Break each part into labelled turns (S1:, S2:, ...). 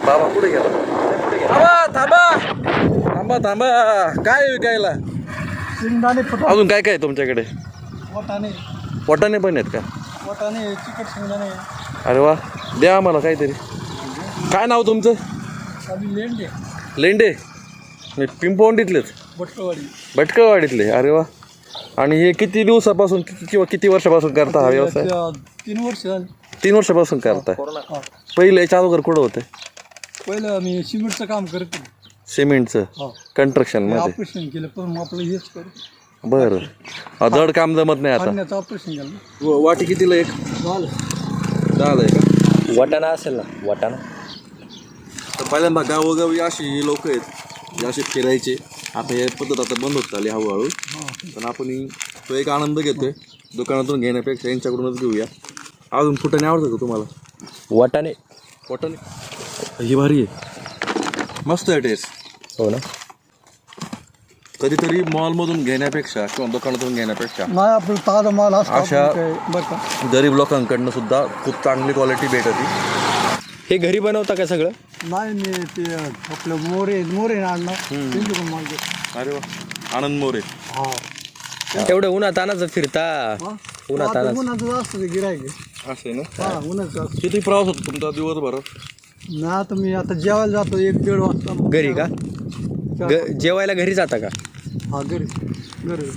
S1: बाबा कुठे गेला? थांबा थांबा थांबा थांबा. काय विकायला?
S2: शेंगदाणे
S1: अजून काय काय तुमच्याकडे?
S2: वाटाणे
S1: वाटाणे पण आहेत का?
S2: वाटाणे चिकट शेंगदाणे
S1: अरे वा, द्या आम्हाला काहीतरी. काय नाव तुमचं?
S2: आम्ही लेंडे
S1: लेंडे? मी पिंपवंडीतलेच,
S2: भटकवाडी
S1: भटकळवाडीतले. अरे वा. आणि हे किती दिवसापासून किंवा किती वर्षापासून करता हा व्यवसाय?
S2: 3 वर्ष झाली.
S1: 3 वर्षापासून करता.
S2: हा.
S1: पहिले याच्या अगोदर कुठं होते?
S2: पहिलं आम्ही सिमेंटचं काम करतो.
S1: सिमेंटचं कन्स्ट्रक्शन मध्ये.
S2: ऑपरेशन केलं पण आपलं हेच करू.
S1: बरं. जड काम जमत नाही आता.
S2: पाण्याचं ऑपरेशन केलं.
S1: वाटी कितीला एक?
S2: झालं
S1: 10 आहे का?
S3: वाटाणा असेल ना, वाटाणा.
S1: तर पहिल्यांदा गावोगावी अशी लोक आहेत जे असे फिरायचे. आता हे पद्धत आता बंद होत चालली हळूहळू. पण आपण तो एक आनंद घेतोय दुकानातून घेण्यापेक्षा यांच्याकडूनच घेऊया. अजून फुटाणे आवडतं का तुम्हाला?
S3: वाटाणे.
S1: वाटाणे ही भारी आहे, मस्त आहे टेस्ट.
S3: हो ना.
S1: कधीतरी मॉलमधून घेण्यापेक्षा किंवा दुकानातून घेण्यापेक्षा
S2: नाही आपलं ताजा माल
S1: अशा
S2: असं बरं का.
S1: गरीब लोकांकडनं सुद्धा खूप चांगली क्वालिटी भेटते.
S3: हे घरी बनवता का सगळं?
S2: नाही मी ते आपलं मोरे आणणार त्यांच्याकडून माल घेतो.
S1: अरे वा, आनंद मोरे.
S2: हा
S3: एवढं उन्हात आणायचं फिरता. उन्हात
S2: आता
S3: आणायचं.
S2: उन्हाचं जास्त गिरायक
S1: असं आहे ना.
S2: हा उन्हाचं जास्त.
S1: किती प्रवास होतो तुमचा दिवसभर?
S2: नाही आता मी आता जेवायला जातो 1-1.5 वाजता.
S3: घरी का? जेवायला घरी जाता का?
S2: हा घरी घरी.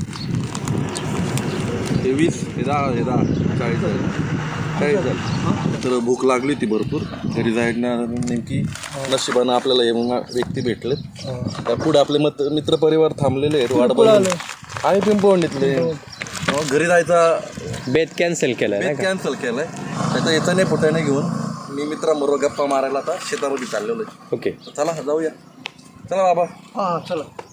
S1: हे 20, हे 10, हे 10, 40 झालं. 40 झालं. तर भूक लागली होती भरपूर. घरी जायला नेमकी नशिबानं आपल्याला हे व्यक्ती भेटले. त्या पुढे आपले मित्रपरिवार थांबलेले आहेत वाट बघून. आणि पिंपवंडीतले. घरी जायचा
S3: बेत कॅन्सल केलाय नाही का?
S1: कॅन्सल केलाय. त्याचा याचा नाही फुटाणे घेऊन मी मित्रांबरोबर गप्पा मारायला आता शेतामध्ये चाललेलो आहे.
S3: ओके.
S1: चला जाऊया. चला बाबा.
S2: हा चला.